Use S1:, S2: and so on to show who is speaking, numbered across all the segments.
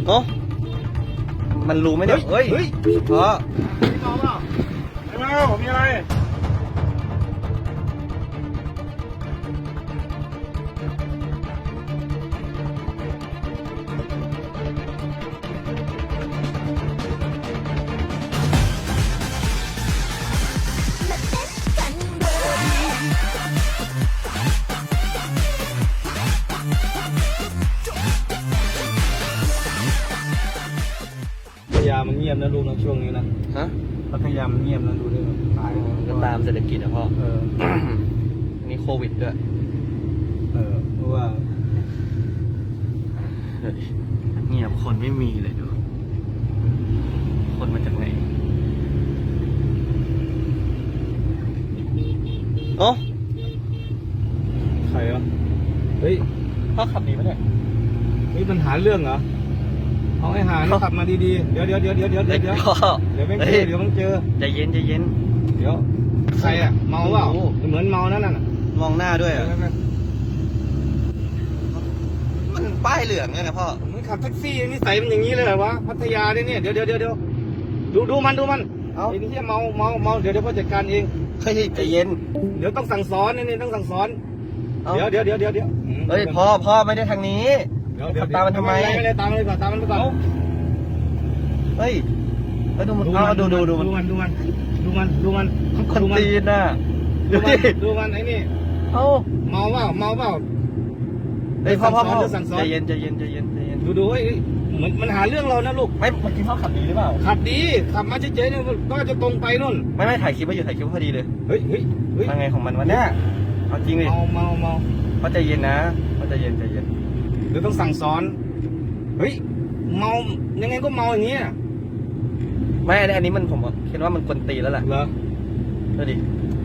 S1: เนาะมันรู้ไหมเนี่ยเฮ้ยเพราะ
S2: พี่เมาเปล่าไม่เมาผมมีอะไรพัทยามันเงียบนะลูกนะช่วงนี้นะ
S1: ฮะ
S2: พัทยามันเงียบนะดูด้วยตาย
S1: ก็ตามเศรษฐกิจนะพ่อ นี่โควิดด้วย
S2: เพราะว่า
S1: เงียบคนไม่มีเลยดูคนมาจากไหนเอ้า
S2: ใครวะเฮ้ย
S1: พ่อขับดีไหมเนี่ย
S2: มีปัญหาเรื่องเหรอเอาไอ้หาขับมาดีๆเดี๋ยวไม่เจอเดี๋ยวมันเจอ
S1: ใจเย็น
S2: เดี๋ยวใครอ่ะเมาเปล่าเหมือนเมานั่นน่ะ
S1: มองหน้าด้วยมันป้ายเหลืองไงพ่อ
S2: มันขับแท็กซี่นิสัยมันอย่างนี้เลยเหรอวะพัทยาเนี่ยเดี๋ยวดูมันไอ้นี่เมาเดี๋ยวพ่อจัดการเอง
S1: ใจเย็น
S2: เดี๋ยวต้องสั่งสอนนี่ต้องสั่งสอนเดี๋ยว
S1: เฮ้ยพ่อไม่ได้ทางนี้ตามมันทำไม
S2: ไม่ได้ตามมันไปก่อน
S1: เฮ้ยดูมันดูมันคนตีนน่ะ
S2: ดูมันไอ้นี่เมาเปล่า
S1: เฮ้ยพ่อใจเย็น
S2: ดูเฮ้ยเหมือนมันหาเรื่องเรานะลูก
S1: ไม่เมื่อกี้พ่อขับดีหรือเปล่า
S2: ขับดีขับมาเฉยๆเนี่ยก็จะตรงไปนู่น
S1: ไม่ถ่ายคลิปไว้อยู่ถ่ายคลิปพอดีเลย
S2: เฮ้ย
S1: ยังไงของมันวะเนี่ยเอาจริงเลย
S2: เมา
S1: พ่อใจเย็นนะพ่อใจเย็น
S2: เดี๋ยวต้องสั่งสอนเฮ้ยเมายังไงก็เมาอย่างเงี้ย
S1: ไม่อันนี้มันผมคิดว่ามันกวนตีแล้วแหละ
S2: เหรอ
S1: ดูดิ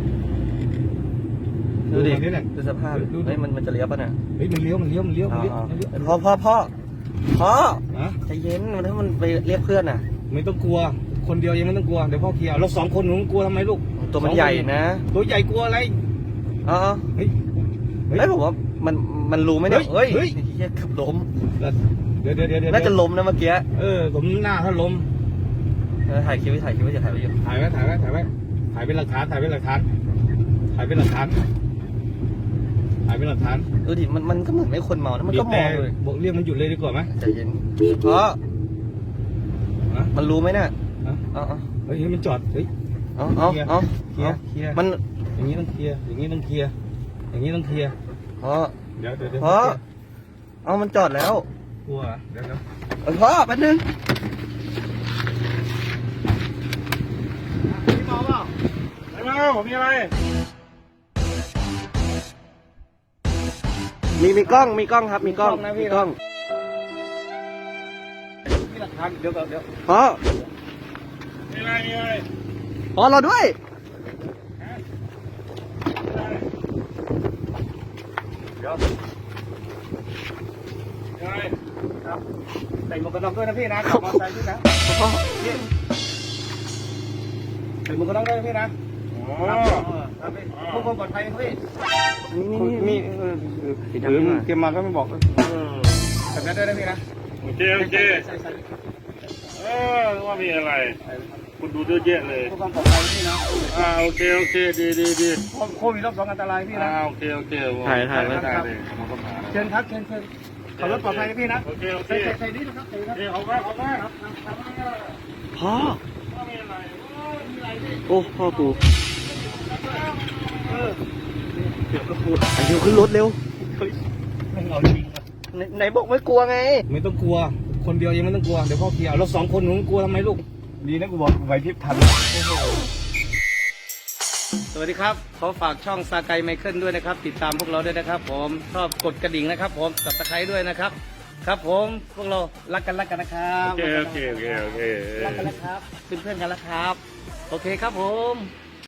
S1: ดูสภาพเฮ้ยมันจะเลี้ยวป่ะเนี่ย
S2: เฮ้ยมันเลี้ยว
S1: พ่อใจเย็นถ้ามันไปเรียกเพื่อนน่ะ
S2: ไม่ต้องกลัวคนเดียวยังไม่ต้องกลัวเดี๋ยวพ่อเคลียร์เรา2 คนหนูกลัวทำไมลูก
S1: ตัวมันใหญ่นะ
S2: ตัวใหญ่กลัวอะไร
S1: เฮ้ยผมว่ามันรู้ไหมเนี่ยเฮ้ยขับล้ม
S2: เดี๋ยว
S1: น่าจะล้มนะเมื่อกี้
S2: ผมหน้าถ้าล้ม
S1: ถ่ายคลิปไว้อยู่ถ่ายไว้
S2: เป็นหลักฐาน
S1: ดูดิมันก็เหมือนไม่คนเมานะมันก็มองเลย
S2: บอกเรียกมันหยุดเลยดีกว่าไหม
S1: ใจเย็นมันรู้ไหมเนี่ย
S2: เฮ้ยมันจอดเฮ้ยเคลียร์
S1: มัน
S2: อย่างนี้ต้องเคลียร์เดี๋ยวเดี๋ยว
S1: มันจอดแล้ว
S2: กลัวเดี๋ยว
S1: พ่อแป๊บนึง
S2: พี่เมาเปล่าไม่เมาผมมีอะไร
S1: มีกล้องครับมีกล้อง
S2: มีหลักฐานเดี๋ยว
S1: พ่อ
S2: มีอะไร
S1: พ่อเราด้วย
S2: ครับใส่หมวกกันน็อกด้วยนะพี่นะขับมอเตอร์ไซค์ด้วยนะใส่หมวกกันน็อกด้วยพี่นะพวกคนปลอดภัยพี่มีเตรียมมาก็ไม่บอกแต่แม่ด้วยนะพี่นะโอเคว่ามีอะไรคุณดูเยอะแยะเลยพวกคนปลอดภัยพี่นะโอเคดีโควิดรอบ 2อันตรายพี่นะโอเค
S1: ถ่ายไว้
S2: เชิญครับขับรถปลอดภัยนะพี่นะใส่ดีนะครับเอามา
S1: พ่อโอ้พ่อกูเดี๋ยวขึ้นรถเร็ว
S2: ไม่เอาจริง
S1: ไหนบอกไม่กลัวไง
S2: ไม่ต้องกลัวคนเดียวยังไม่ต้องกลัวเดี๋ยวพ่อเคลียร์เรา2 คนหนูกลัวทำไมลูกดีนะกูบอกไหวพริบทันสวัสดีครับขอฝากช่องซาไกไมเคิลด้วยนะครับติดตามพวกเราด้วยนะครับผมชอบกดกระดิ่งนะครับผมสับตะไคร้ด้วยนะครับครับผมพวกเรารักกันนะครับ
S1: โอเค
S2: รักกันนะครับเป็นเพื่อนกันแล้วครับโอเคครับผม